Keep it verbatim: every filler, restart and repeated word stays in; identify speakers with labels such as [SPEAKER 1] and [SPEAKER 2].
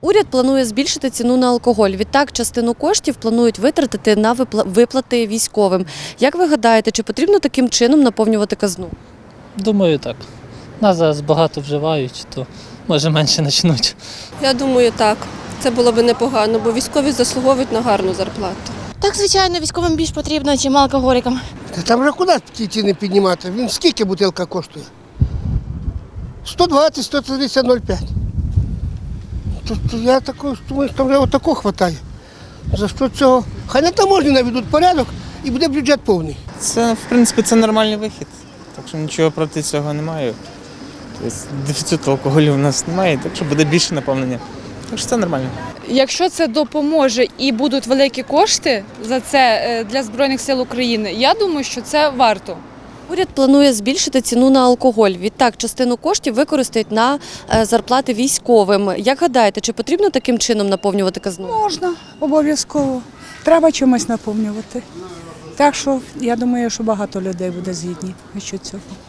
[SPEAKER 1] Уряд планує збільшити ціну на алкоголь. Відтак, частину коштів планують витратити на виплати військовим. Як ви гадаєте, чи потрібно таким чином наповнювати казну?
[SPEAKER 2] Думаю, так. Нас зараз багато вживають, то може менше почнуть.
[SPEAKER 3] Я думаю, так. Це було б непогано, бо військові заслуговують на гарну зарплату.
[SPEAKER 4] Так, звичайно, військовим більш потрібно, ніж алкоголікам.
[SPEAKER 5] Та там вже куди ті ціни піднімати? Він скільки бутилка коштує? сто двадцять - сто тридцять - ноль п'ять. Тобто я також думаю, що там вже отако вистачає. За що цього? Хай на таможні наведуть порядок і буде бюджет повний.
[SPEAKER 6] Це, в принципі, це нормальний вихід, так що нічого проти цього немає. Тобто дефіциту алкоголю в нас немає, так що буде більше наповнення. Так що це нормально.
[SPEAKER 7] Якщо це допоможе і будуть великі кошти за це для Збройних сил України, я думаю, що це варто.
[SPEAKER 1] Уряд планує збільшити ціну на алкоголь. Відтак, частину коштів використають на зарплати військовим. Як гадаєте, чи потрібно таким чином наповнювати казну?
[SPEAKER 8] Можна, обов'язково. Треба чимось наповнювати. Так що я думаю, що багато людей буде згідні щодо цього.